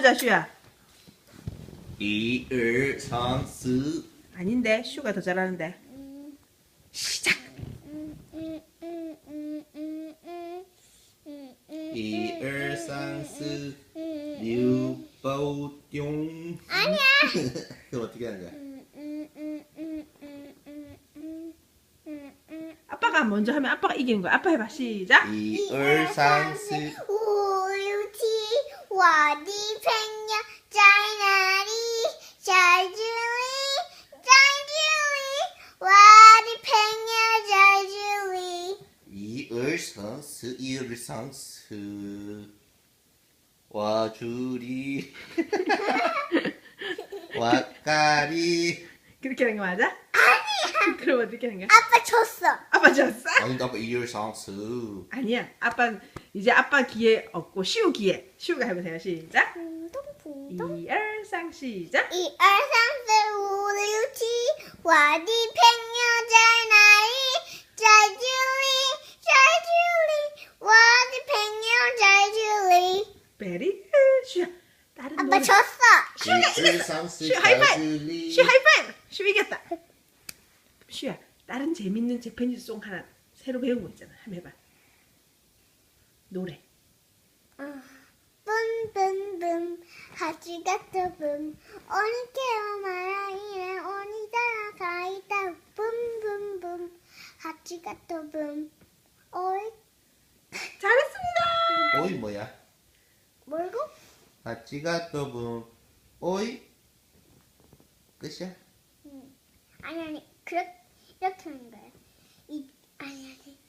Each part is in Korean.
해보자, 슈야. 1, 2, 3, 4. 아닌데, 슈가 더 잘하는데. 시작. 1, 2, 3, 4, 6, 7, 8. 아니야. 그럼 어떻게 하는 거야? 아빠가 먼저 하면 아빠가 이기는 거야. 아빠 해봐, 시작. 2, 2, 3, 4. 5, 6, 7, 我的朋友在哪里？在这里，在这里，我的朋友在这里。 2, 2, 3, 4, 1, 2, 3, 4. 와주리. 와까리. 그렇게 하는 거 맞아? 아니야. 그럼 어떻게 하는 거야? 아빠 줬어. 아빠 졌어? 아니, 아빠 2, 2, 3, 4. 아니야. 아빠 이제 아빠 기회 없고 슈 기회. 슈가 해보세요. 시작. 붕동붕동. 2, 2, 3, 시작. 1, 2, 3, 4, 5, 6, 7，我的朋友在哪里？在这里，在这里，我的朋友在这里。 베리 슈야. 다른 아빠 노래. 졌어. 1, 2, 3, 4, 슈 하이파이브. 와주리. 슈 하이파이브. 슈 이겼다. 슈야. 다른 재밌는 재패니스 송 하나 새로 배운 거 있잖아. 한번 해봐. 노래. 붐붐붐 하지가 또붐 오니케와 마라이에 오니다라 가이다 붐붐붐 하지가 또붐 오이 잘했습니다. 오이 뭐야? 뭘고? 아찌가 또분 오이 끝이야? 아니 이렇게 하는 거야. 아니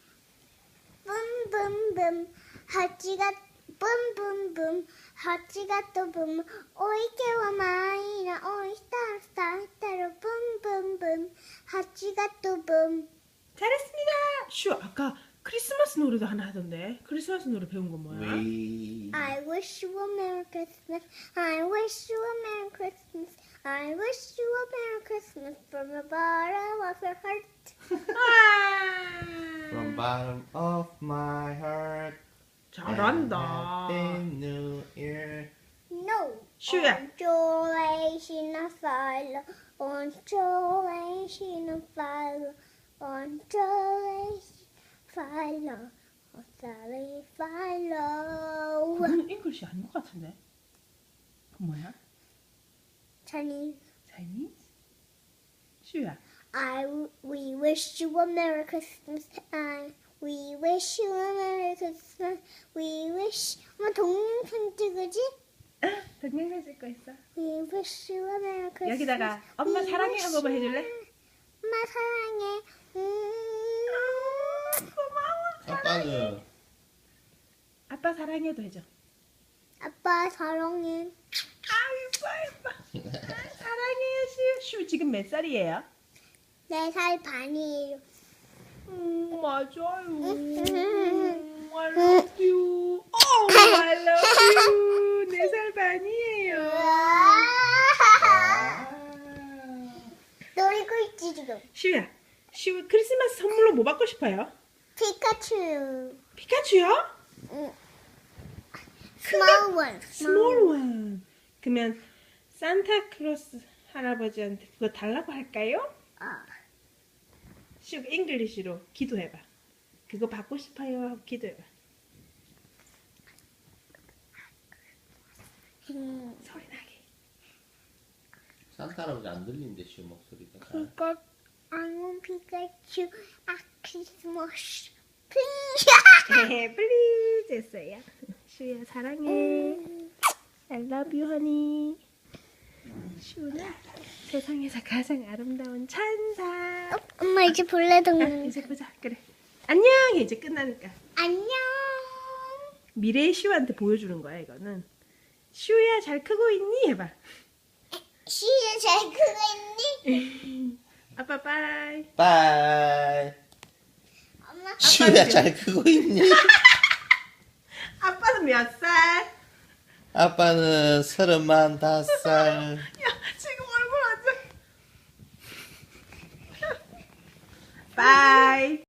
붐붐붐 하지가 붐붐붐 하지가 또붐 오이케와 마이라 오이따로 붐붐붐 하지가 또붐 잘했습니다. 슈 아까 크리스마스 노래도 하나 하던데. 크리스마스 노래 배운 건 뭐야? 위. I wish you a Merry Christmas. I wish you a Merry Christmas. I wish you a Merry Christmas from the bottom of your heart. 아. From bottom of my heart. 잘한다. Happy New Year. No. 슈야. Consolation of follow. Consolation of follow. Consolation follow. Consolation follow. 그건 잉글리시 아닌 것 같은데. 그건 뭐야? Chinese. 차이니즈? 슈야. We wish you a Merry Christmas. We wish you a Merry Christmas. We wish. 엄마 동영상 찍으지? 동영상 찍고 있어. We wish you a Merry Christmas. 여기다가 엄마 We 사랑해 wish 한 번만 you- 해줄래? 엄마 사랑해. 고마워. 아빠는 아빠 사랑해도 해줘. 아빠 사랑해. 이뻐. 사랑해요, 슈. 슈 지금 몇 살이에요? 4살 반이에요. 맞아요. I love you. I love you. 4살 반이에요. 놀고 있지 지금. 슈야. 슈 크리스마스 선물로 뭐 받고 싶어요? 피카츄. 피카츄요? Small one. 스몰 원. 그러면 산타클로스 할아버지한테 그거 달라고 할까요? 슈 잉글리시로 기도해봐. 그거 받고 싶어요 하고 기도해봐. 소리 나게. 산타 할아버지 안 들리는데 슈 목소리가. 그거 I want 피카츄. 크리스마스. 플리즈 했어요. 슈야 사랑해. I love you honey. 슈는 세상에서 가장 아름다운 찬사. 엄마 이제 볼래 동물. 이제 보자. 그래. 안녕. 이제 끝나니까. 안녕. 미래의 슈한테 보여주는 거야 이거는. 슈야 잘 크고 있니? 해봐. 시에 잘 크고 있니? 아빠 빠이. 빠이. 엄마. 슈야 잘 크고 있니? 아빠는 몇 살? 아빠는 35살. 야 지금 얼굴 완전. 빠이.